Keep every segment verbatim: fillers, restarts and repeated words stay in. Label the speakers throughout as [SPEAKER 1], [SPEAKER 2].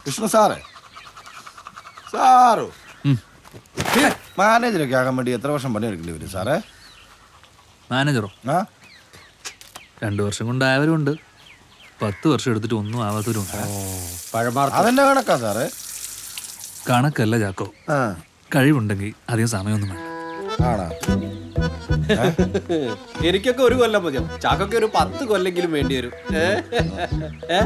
[SPEAKER 1] കൃഷ്ണ സാറേ സാറോ മാനേജറൊക്കെ ആകാൻ വേണ്ടി എത്ര വർഷം പണിയെടുക്കേണ്ടി വരും സാറേ?
[SPEAKER 2] മാനേജറോ?
[SPEAKER 1] ആ
[SPEAKER 2] രണ്ടു വർഷം കൊണ്ടായവരും ഉണ്ട്, പത്ത് വർഷം എടുത്തിട്ട് ഒന്നും ആവാത്തവരും ഉണ്ട്.
[SPEAKER 1] അതെന്നെ കണക്കാ സാറേ?
[SPEAKER 2] കണക്കല്ല ചാക്കോ,
[SPEAKER 1] ആ
[SPEAKER 2] കഴിവുണ്ടെങ്കിൽ അധികം സമയമൊന്നും വേണ്ട.
[SPEAKER 1] ആണോ?
[SPEAKER 3] എനിക്കൊക്കെ ഒരു കൊല്ലം മതിയോ, ചാക്കൊക്കെ ഒരു പത്ത് കൊല്ലെങ്കിലും വേണ്ടി വരും. ഏ? ഏ?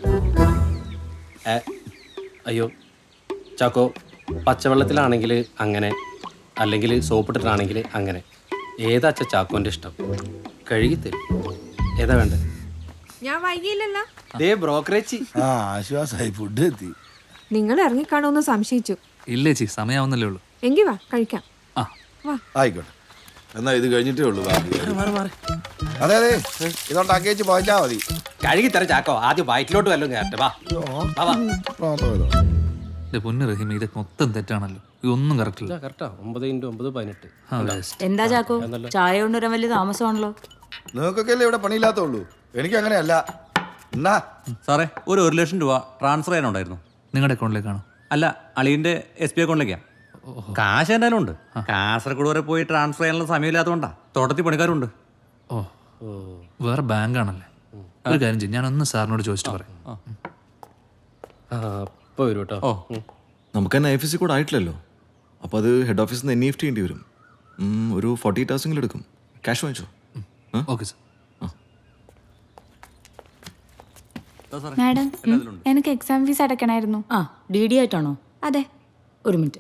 [SPEAKER 3] ഏ? അയ്യോ ചാക്കോ, പച്ചവെള്ളത്തിലാണെങ്കിൽ അങ്ങനെ, അല്ലെങ്കിൽ സോപ്പിട്ടിട്ടാണെങ്കിൽ അങ്ങനെ. ഏതാ അച്ഛ ചാക്കോന്റെ ഇഷ്ടം? കഴുകിത്തരും. ഏതാ വേണ്ടത്?
[SPEAKER 4] ഞാൻ വൈകിയില്ലല്ലോ.
[SPEAKER 3] ദേ ബ്രോക്കറേജ്.
[SPEAKER 1] ആ ആശ്വാസമായി, ഫുഡ് എത്തി.
[SPEAKER 4] നിങ്ങൾ ഇറങ്ങിക്കാണോന്ന് സംശയിച്ചു.
[SPEAKER 2] ഇല്ലേ ചി, സമയാവുന്നല്ലേ ഉള്ളൂ.
[SPEAKER 4] എങ്കി വാ കഴിക്കാം.
[SPEAKER 2] ആ
[SPEAKER 4] വാ.
[SPEAKER 1] ആയിക്കോട്ടെ, എന്നാ ഇത് കഴിഞ്ഞിട്ടേ ഉള്ളൂ. അതെ അതെ, ഇതോണ്ടാക്കി വെച്ച് പോയിച്ചാ മതി.
[SPEAKER 3] കഴുകിത്തരാം ചാക്കോ, ആദ്യം വയറ്റിലോട്ട് വല്ലതും കയറട്ടെ. വാ വാ, വാ.
[SPEAKER 2] എന്റെ പൊന്നു റഹീം, ഇതൊക്കെ മൊത്തം തെറ്റാണല്ലോ. ഇതൊന്നും കറക്റ്റ് ഇല്ല.
[SPEAKER 3] കറക്റ്റാ, ഒമ്പത് ഇൻറ്റു ഒമ്പത് പതിനെട്ട്.
[SPEAKER 2] ആ, best.
[SPEAKER 5] എന്താ ചാക്കോ, ചായ കൊണ്ടുവരാൻ വലിയ താമസമാണല്ലോ.
[SPEAKER 1] നിങ്ങൾക്കൊക്കെ അല്ലേ ഇവിടെ പണിയില്ലാത്തുള്ളൂ, എനിക്ക് അങ്ങനെയല്ല. എന്നാ
[SPEAKER 6] സാറേ, ഒരു ഒരു ലക്ഷം രൂപ ട്രാൻസ്ഫർ ചെയ്യാനുണ്ടായിരുന്നു.
[SPEAKER 2] നിങ്ങളുടെ അക്കൗണ്ടിലേക്കാണോ?
[SPEAKER 6] അല്ല, അളിയൻ്റെ എസ് ബി അക്കൗണ്ടിലേക്കാണ്. കാശ് എന്തായാലും ഉണ്ട്. കാസർഗോഡ് വരെ പോയി ട്രാൻസ്ഫർ ചെയ്യാനുള്ള സമയമില്ലാത്തതുകൊണ്ടാ. തോട്ടത്തിൽ പണിക്കാരുണ്ട്.
[SPEAKER 2] ഓ വേറെ ബാങ്കാണല്ലേ. ഒരു കാര്യം ചെയ്യും, ഞാനൊന്ന് സാറിനോട് ചോദിച്ചിട്ട് പറയാം.
[SPEAKER 3] ആ ഇപ്പോൾ വരും കേട്ടോ.
[SPEAKER 6] ഓ,
[SPEAKER 7] നമുക്ക് തന്നെ I F S C code ആയിട്ടില്ലല്ലോ, അപ്പോൾ അത് ഹെഡ് ഓഫീസിൽ നിന്ന് എൻ ഇ എഫ് ടി ചെയ്യേണ്ടി വരും. ഉം, ഒരു ഫോർട്ടി എയ്റ്റ് ഹവേഴ്സെങ്കിലും എടുക്കും. ക്യാഷ് വാങ്ങിച്ചോ?
[SPEAKER 2] Okay sir.
[SPEAKER 8] മാഡം, എനിക്ക് എക്സാം ഫീസ് അടയ്ക്കണമായിരുന്നു.
[SPEAKER 5] ആ, ഡി ഡി ആയിട്ടാണോ?
[SPEAKER 8] അതെ.
[SPEAKER 5] ഒരു മിനിറ്റ്,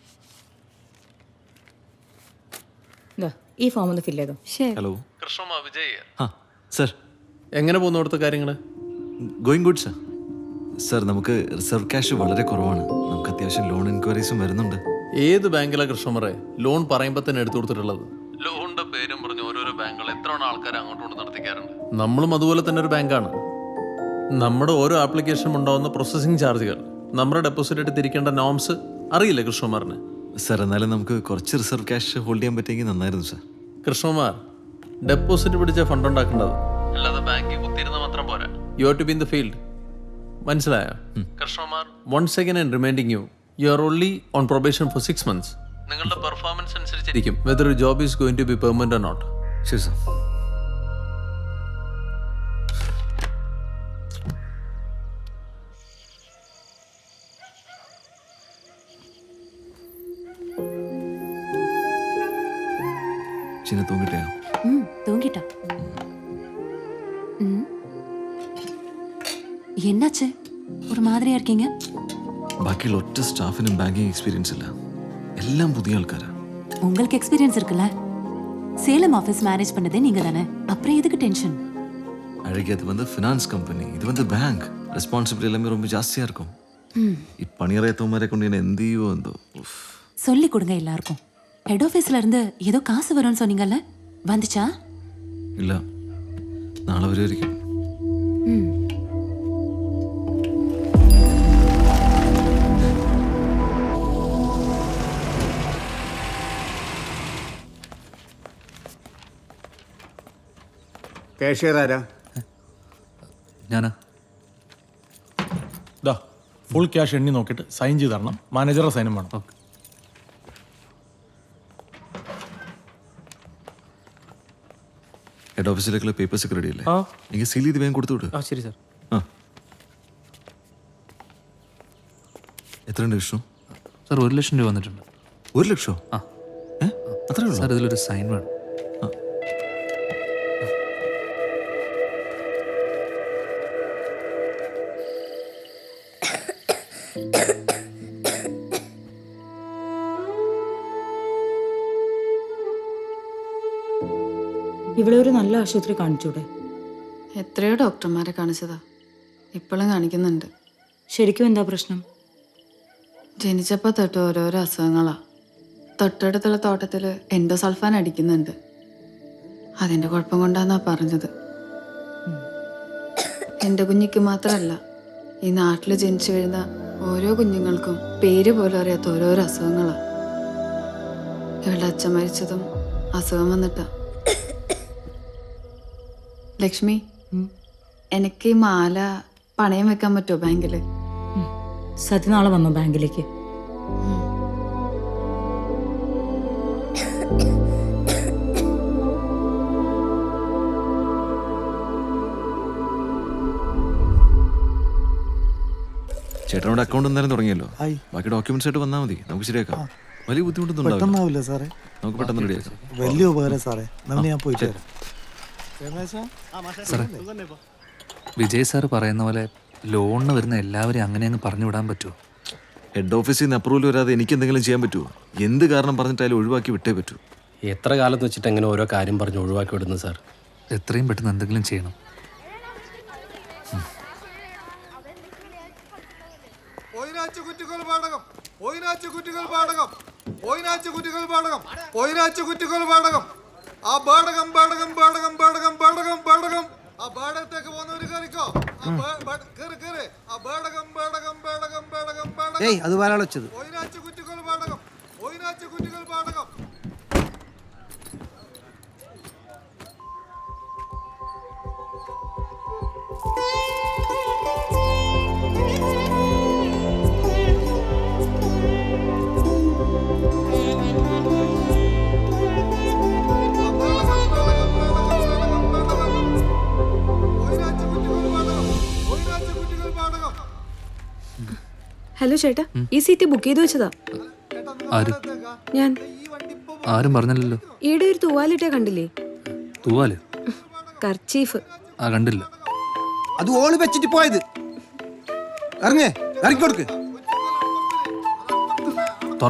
[SPEAKER 5] ഇതാ ഈ ഫോം ഒന്ന് ഫില്ല് ചെയ്തോ.
[SPEAKER 8] ശരി.
[SPEAKER 7] ഹലോ.
[SPEAKER 2] കൃഷ്ണ വിജയ്.
[SPEAKER 7] ആ സർ,
[SPEAKER 3] എങ്ങനെ പോകുന്നു അവിടുത്തെ കാര്യങ്ങൾ?
[SPEAKER 7] Going good sir. സർ, നമുക്ക് റിസർവ് ക്യാഷ് വളരെ കുറവാണ്. നമുക്ക് അത്യാവശ്യം ലോൺ എൻക്വയറീസും വരുന്നുണ്ട്.
[SPEAKER 9] ഏത് ബാങ്കിലാണ് കൃഷ്ണമറെ ലോൺ പറയുമ്പോൾ തന്നെ എടുത്തു കൊടുത്തിട്ടുള്ളത്?
[SPEAKER 2] ലോണിന്റെ പേരും പറഞ്ഞ് ഓരോരോ ബാങ്കുകൾ എത്ര ആൾക്കാർ അങ്ങോട്ടും കൊണ്ട് നടത്തിക്കാറുണ്ട്.
[SPEAKER 9] നമ്മളും അതുപോലെ തന്നെ ഒരു ബാങ്കാണ്. നമ്മുടെ ഓരോ ആപ്ലിക്കേഷനും ഉണ്ടാവുന്ന പ്രോസസ്സിംഗ് ചാർജുകൾ, നമ്മുടെ ഡെപ്പോസിറ്റ് ആയിട്ട് തിരിക്കേണ്ട നോംസ് അറിയില്ലേ കൃഷ്ണകുമാറിന്?
[SPEAKER 7] സർ, എന്നാലും നമുക്ക് കുറച്ച് റിസർവ് ക്യാഷ് ഹോൾഡ് ചെയ്യാൻ പറ്റിയെങ്കിൽ നന്നായിരുന്നു സർ.
[SPEAKER 9] കൃഷ്ണകുമാർ, ഡെപ്പോസിറ്റ് പിടിച്ച ഫണ്ട് ഉണ്ടാക്കേണ്ടത്,
[SPEAKER 2] അല്ലാതെ ബാങ്കിൽ കുത്തിയിരുന്ന മാത്രം പോരാ.
[SPEAKER 9] You are to be in the field. മനസ്സിലായോ
[SPEAKER 2] Krishnakumar?
[SPEAKER 9] Once again and reminding you, you are only on probation for six months.
[SPEAKER 2] നിങ്ങളുടെ പെർഫോമൻസ് അനുസരിച്ചിരിക്കും
[SPEAKER 9] whether job is going to be permanent or not.
[SPEAKER 7] ശരി സർ. சின்ன தூங்கிட்டியா?
[SPEAKER 8] ம் தூங்கிட்டா. ம் என்னாச்சு, ஒரு மாதிரியா இருக்கீங்க?
[SPEAKER 7] ബാക്കിയുള്ള ഒറ്റ സ്റ്റാഫിനും ബാങ്കിങ് എക്സ്പീരിയൻസ് ഇല്ല, എല്ലാം പുതിയ ആൾക്കാരാ.
[SPEAKER 8] உங்களுக்கு எக்ஸ்பீரியன்ஸ் இருக்குல்ல, சேலம் ஆஃபீஸ் மேனேஜ் பண்ணதே நீங்க தானே, அப்புறம் எதுக்கு டென்ஷன்?
[SPEAKER 7] அழகி, அது வந்து ஃபினான்ஸ் கம்பெனி, இது வந்து பேங்க். ரெஸ்பான்சிபிலிட்டி எல்லாமே ரொம்ப ஜாஸ்தியா இருக்கும். ഈ പണിയറിയാത്തവന്മാരെ കൊണ്ട് ഞാൻ എന്ത് ചെയ്യുമോ എന്തോ.
[SPEAKER 8] சொல்லி கொடுங்க எல்லாருக்கும். ஹெட் ஆஃபீஸ்ல இருந்து ஏதோ காசு வரும்னு சொன்னீங்கல்ல, வந்துச்சா?
[SPEAKER 7] ഇല്ല, നാളെ വരുമായിരിക്കും.
[SPEAKER 10] കാഷ്യർ ആരാ?
[SPEAKER 2] ഞാനാ.
[SPEAKER 11] ദാ ഫുൾ ക്യാഷ് എണ്ണി നോക്കിയിട്ട് സൈൻ ചെയ്ത് തരണം. മാനേജറുടെ സൈനും വേണം.
[SPEAKER 2] ഓക്കെ.
[SPEAKER 7] ഹെഡ് ഓഫീസിലേക്കുള്ള പേപ്പേഴ്സ് ഒക്കെ റെഡി അല്ലേ? എനിക്ക് സീൽ ചെയ്ത് വേഗം കൊടുത്തു വിട്.
[SPEAKER 3] ആ ശരി സാർ.
[SPEAKER 7] ആ, എത്രയുണ്ട് വിഷ്ണു?
[SPEAKER 2] സാർ ഒരു ലക്ഷം രൂപ വന്നിട്ടുണ്ട്.
[SPEAKER 7] ഒരു ലക്ഷോ?
[SPEAKER 2] ആ.
[SPEAKER 7] ഏ, അത്രേ ഉള്ളൂ?
[SPEAKER 2] സാർ ഇതിലൊരു സൈൻ വേണം.
[SPEAKER 5] ഇവിടെ ഒരു നല്ല ആശുപത്രി കാണിച്ചൂടെ?
[SPEAKER 12] എത്രയോ ഡോക്ടർമാരെ കാണിച്ചതാ, ഇപ്പോഴും കാണിക്കുന്നുണ്ട്.
[SPEAKER 5] ശരിക്കും എന്താ പ്രശ്നം?
[SPEAKER 12] ജനിച്ചപ്പോൾ തൊട്ട് ഓരോരോ അസുഖങ്ങളാ. തൊട്ടടുത്തുള്ള തോട്ടത്തിൽ എൻഡോസൾഫാൻ അടിക്കുന്നുണ്ട്. അതിൻ്റെ കുഴപ്പം കൊണ്ടാന്നാ പറഞ്ഞത്. എൻ്റെ കുഞ്ഞിക്ക് മാത്രമല്ല, ഈ നാട്ടിൽ ജനിച്ചു വീഴുന്ന ഓരോ കുഞ്ഞുങ്ങൾക്കും പേര് പോലും അറിയാത്ത ഓരോരോ അസുഖങ്ങളാ. ഇവളുടെ അച്ഛൻ മരിച്ചതും അസുഖം വന്നിട്ടാ. ലക്ഷ്മി, എനിക്ക് ഈ മാല പണയം വെക്കാൻ പറ്റുമോ ബാങ്കില്?
[SPEAKER 5] സത്യ നാളെ വന്നോ ബാങ്കിലേക്ക്?
[SPEAKER 7] ചേട്ടനോട് അക്കൗണ്ട് എന്തായാലും തുടങ്ങിയല്ലോ. ബാക്കി ഡോക്യുമെന്റ്സ് ആയിട്ട് വന്നാൽ മതി, നമുക്ക് ശരിയാക്കാം. വലിയ ബുദ്ധിമുട്ടൊന്നും ഉണ്ടാവില്ല
[SPEAKER 11] സാറേ.
[SPEAKER 7] നമുക്ക് പെട്ടെന്ന് റെഡിയാക്കാം.
[SPEAKER 11] വലിയ ഉപകാരം സാറേ. ഞാൻ പോയിട്ട് വരാം.
[SPEAKER 2] സാറേ, വിജയ് സാറ് പറയുന്ന പോലെ ലോണിന് വരുന്ന എല്ലാവരെയും അങ്ങനെ അങ്ങ് പറഞ്ഞു വിടാൻ പറ്റുമോ?
[SPEAKER 7] ഹെഡ് ഓഫീസിൽ നിന്ന് അപ്രൂവൽ വരാതെ എനിക്ക് എന്തെങ്കിലും ചെയ്യാൻ പറ്റുമോ? എന്ത് കാരണം പറഞ്ഞിട്ടായാലും ഒഴിവാക്കി വിട്ടേ പറ്റൂ.
[SPEAKER 3] എത്ര കാലത്ത് വെച്ചിട്ട് എങ്ങനെ ഓരോ കാര്യം പറഞ്ഞ് ഒഴിവാക്കി വിടുന്നു സാർ?
[SPEAKER 2] എത്രയും പെട്ടെന്ന് എന്തെങ്കിലും ചെയ്യണം.
[SPEAKER 1] കുറ്റികൾ പാടകം കുറ്റികൾ പാടകം കുറ്റികൾ പാടകം കുറ്റികൾ പാടകം ആ പാടകം പാടകം പാടകം പാടകം പാടകം പാടകം ആ പാടത്തേക്ക് പോകുന്നവര് കയറിക്കോ. ആ പാടകം പാടകം പാടകം പാടകം പാടകം
[SPEAKER 3] അത് വരാൻ വെച്ചത്
[SPEAKER 1] കുറ്റികൾ പാടകം കുറ്റികൾ പാടകം.
[SPEAKER 4] ഹലോ ചേട്ടാ, ഈ സീറ്റ് ബുക്ക് ചെയ്ത് വെച്ചതാ.
[SPEAKER 2] ആര്?
[SPEAKER 4] ഞാൻ.
[SPEAKER 2] ആരും പറഞ്ഞില്ലല്ലോ.
[SPEAKER 4] ഈടെ ഒരു തൂവാലിട്ടേ കണ്ടില്ലേ?
[SPEAKER 2] തൂവാല്?
[SPEAKER 4] കർച്ചീഫ്.
[SPEAKER 2] ആ, കണ്ടില്ല.
[SPEAKER 3] അത് ഓള് വെച്ചിട്ട് പോയത്. ഇറങ്ങേ, ഇറങ്ങിക്കൊടുക്ക്.
[SPEAKER 2] തുറ.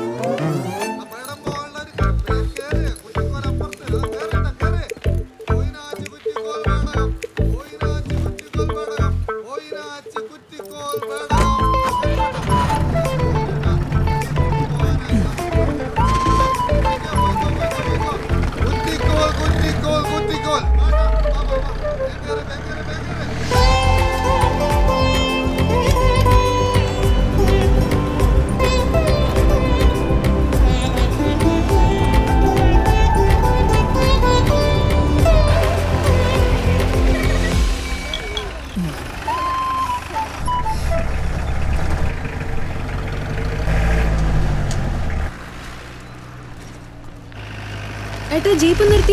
[SPEAKER 4] ഏട്ടാ, ജീപ്പ് നിർത്തി.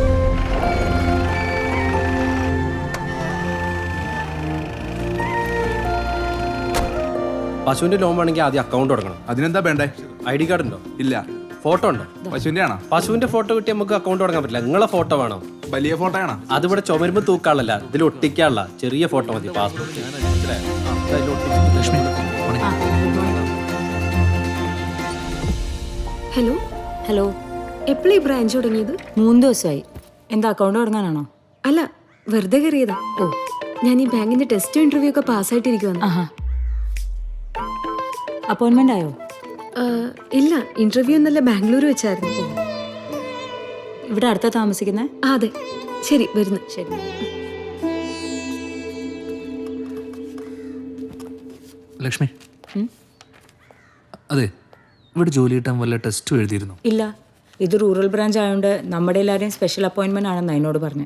[SPEAKER 3] പശുവിന്റെ ലോൺ വേണമെങ്കിൽ ആദ്യം അക്കൗണ്ട് തുടങ്ങണം.
[SPEAKER 1] അതിനെന്താ വേണ്ടേ?
[SPEAKER 3] ഐ ഡി കാർഡ് ഉണ്ടോ?
[SPEAKER 1] ഇല്ല.
[SPEAKER 3] ഫോട്ടോ ഉണ്ടോ?
[SPEAKER 1] പശുവിന്റെ ആണോ?
[SPEAKER 3] പശുവിന്റെ ഫോട്ടോ കിട്ടി നമുക്ക് അക്കൗണ്ട് തുടങ്ങാൻ പറ്റില്ല. നിങ്ങളെ ഫോട്ടോ വേണം.
[SPEAKER 1] വലിയ ഫോട്ടോ ആണോ?
[SPEAKER 3] അതിവിടെ ചുമരുമ്പ് തൂക്കാളല്ല, ഇതിൽ ഒട്ടിക്കാനുള്ള ചെറിയ ഫോട്ടോ മതി. പാസ്പോർട്ട്.
[SPEAKER 2] ലക്ഷ്മി,
[SPEAKER 4] ഹലോ
[SPEAKER 5] ഹലോ,
[SPEAKER 4] എപ്പോഴീ ബ്രാഞ്ച് തുടങ്ങിയത്?
[SPEAKER 5] മൂന്ന് ദിവസമായി. എന്താ അക്കൗണ്ട് തുടങ്ങാനാണോ?
[SPEAKER 4] അല്ല, വെറുതെ കയറിയതാ. ഓ, ഞാൻ ഈ ബാങ്കിന്റെ ടെസ്റ്റ് ഇന്റർവ്യൂ ഒക്കെ പാസ്സായിട്ടിരിക്കുവാണ്.
[SPEAKER 5] ആഹാ, അപ്പോയിന്റ്മെന്റ് ആയോ?
[SPEAKER 4] ഇല്ല, ഇന്റർവ്യൂ ഇന്നലെ ബാംഗ്ലൂർ വെച്ചായിരുന്നു.
[SPEAKER 5] ഇവിടെ അടുത്താ താമസിക്കുന്നേ?
[SPEAKER 4] ആ, അതെ. ശരി, വരുന്നു.
[SPEAKER 5] ശരി.
[SPEAKER 2] ലക്ഷ്മി, അതെ, ഇവിടെ ജോലി കിട്ടാൻ വല്ല ടെസ്റ്റും എഴുതിയിരുന്നു?
[SPEAKER 5] ഇല്ല, ഇത് റൂറൽ ബ്രാഞ്ച് ആയതുകൊണ്ട് നമ്മുടെ എല്ലാവരെയും സ്പെഷ്യൽ അപ്പോയിന്റ്മെന്റ് ആണെന്ന് എന്നോട് പറഞ്ഞു.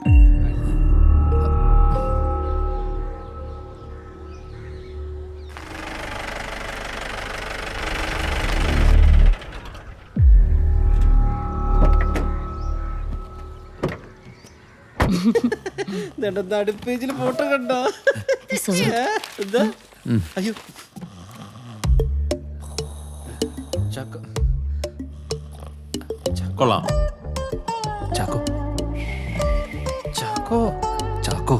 [SPEAKER 3] പേജിൽ ഫോട്ടോ കണ്ടോ? അയ്യോ,
[SPEAKER 9] കൊള്ളാം.
[SPEAKER 2] ചാക്കോ,
[SPEAKER 3] ചാക്കോ,
[SPEAKER 2] ചാക്കോ.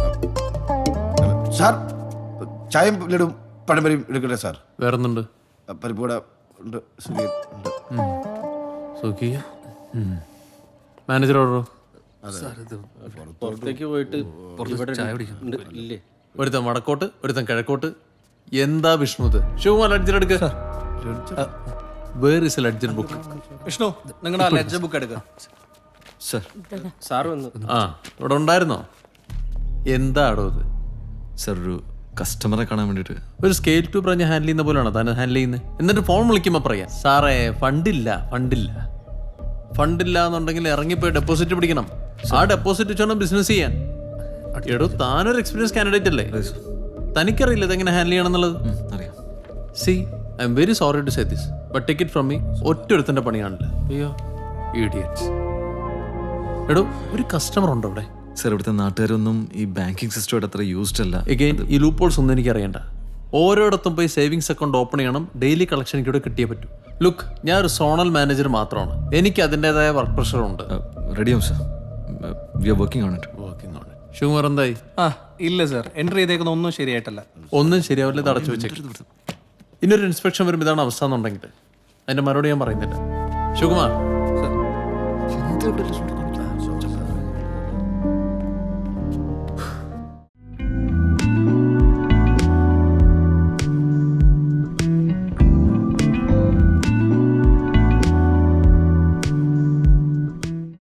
[SPEAKER 1] സാർ, ചായയും ലഡും പഴംപരിയും എടുക്കട്ടെ സാർ?
[SPEAKER 9] വേറൊന്നുണ്ട്?
[SPEAKER 1] പരിപ്പൂട ഉണ്ട്, സുഖിയൻ ഉണ്ട്.
[SPEAKER 9] സുഖിയ. മാനേജർ ഓർഡറോ?
[SPEAKER 3] പുറത്തേക്ക് പോയിട്ട്
[SPEAKER 2] ചായ കുടിക്കുന്നു.
[SPEAKER 3] ഇല്ലേ?
[SPEAKER 9] ഒരുത്തൻ വടക്കോട്ട്, ഒരുത്തൻ കിഴക്കോട്ട്. എന്താ വിഷ്ണു ഇത്? ശിവകുമാർ ലഡ്ജർ എടുക്ക. Where is a ledger book?
[SPEAKER 3] Vishnu, നിങ്ങളുടെ ലെഡ്ജർ ബുക്ക് എടുക്കുക.
[SPEAKER 7] സർ,
[SPEAKER 3] സാർ വന്നു.
[SPEAKER 9] ആ, ഇവിടെ ഉണ്ടായിരുന്നോ? എന്താടോ ഇത്?
[SPEAKER 7] സർ, ഒരു കസ്റ്റമറെ കാണാൻ വേണ്ടിയിട്ട്.
[SPEAKER 9] ഒരു സ്കെയിൽ ടു പറഞ്ഞ് ഹാൻഡിൽ ചെയ്യുന്ന പോലെയാണോ താൻ ഹാൻഡിൽ ചെയ്യുന്നത്? എന്നിട്ട് ഫോൺ വിളിക്കുമ്പോൾ പറയാം, സാറേ ഫണ്ടില്ല, ഫണ്ടില്ല. ഫണ്ടില്ല എന്നുണ്ടെങ്കിൽ ഇറങ്ങിപ്പോയി ഡെപ്പോസിറ്റ് പിടിക്കണം. ആ ഡെപ്പോസിറ്റ് വെച്ചോണം ബിസിനസ് ചെയ്യാൻ. എടോ, താനൊരു എക്സ്പീരിയൻസ് കാൻഡിഡേറ്റ് അല്ലേ? തനിക്കറിയില്ല ഇതെങ്ങനെ ഹാൻഡിൽ ചെയ്യണം എന്നുള്ളത്?
[SPEAKER 7] അറിയാം.
[SPEAKER 9] See I am very sorry to say this but take it from me ഒറ്റൊരുത്തൻ്റെ പണിയാണല്ലേ. അയ്യോ ഇഡിയറ്റ്സ്. എടോ ഒരു കസ്റ്റമർ ഉണ്ടോ അവിടെ?
[SPEAKER 7] സർ ഇവിടുത്തെ നാട്ടുകാരൊന്നും ഈ ബാങ്കിങ് സിസ്റ്റമായിട്ട് അത്ര യൂസ്ഡ് അല്ല.
[SPEAKER 9] എഗെയിൻ ഈ ലൂപ്പോൾസ് ഒന്നും എനിക്ക് അറിയണ്ട. ഓരോയിടത്തും പോയി സേവിങ്സ് അക്കൗണ്ട് ഓപ്പൺ ചെയ്യണം, ഡെയിലി കളക്ഷൻ എനിക്കിവിടെ കിട്ടിയേ പറ്റൂ. ലുക്ക്, ഞാൻ ഒരു സോണൽ മാനേജർ മാത്രമാണ്, എനിക്ക് അതിൻ്റെതായ വർക്ക് പ്രഷറുണ്ട്.
[SPEAKER 7] റെഡിയാവും sir, we are working on it.
[SPEAKER 9] Working on it. Sugar എന്തായി?
[SPEAKER 3] ആ ഇല്ല സാർ, എൻട്രി ചെയ്തേക്കുന്ന ഒന്നും ശരിയായിട്ടല്ല.
[SPEAKER 9] ഒന്നും ശരിയാവില്ല, ഇത് അടച്ചു വെച്ചേക്കും. ഇനിയൊരു ഇൻസ്പെക്ഷൻ വരുമ്പോൾ ഇതാണ് അവസ്ഥ എന്നുണ്ടെങ്കിൽ അതിൻ്റെ മറുപടി ഞാൻ പറയുന്നില്ല. ശിവകുമാർ
[SPEAKER 7] എന്ത്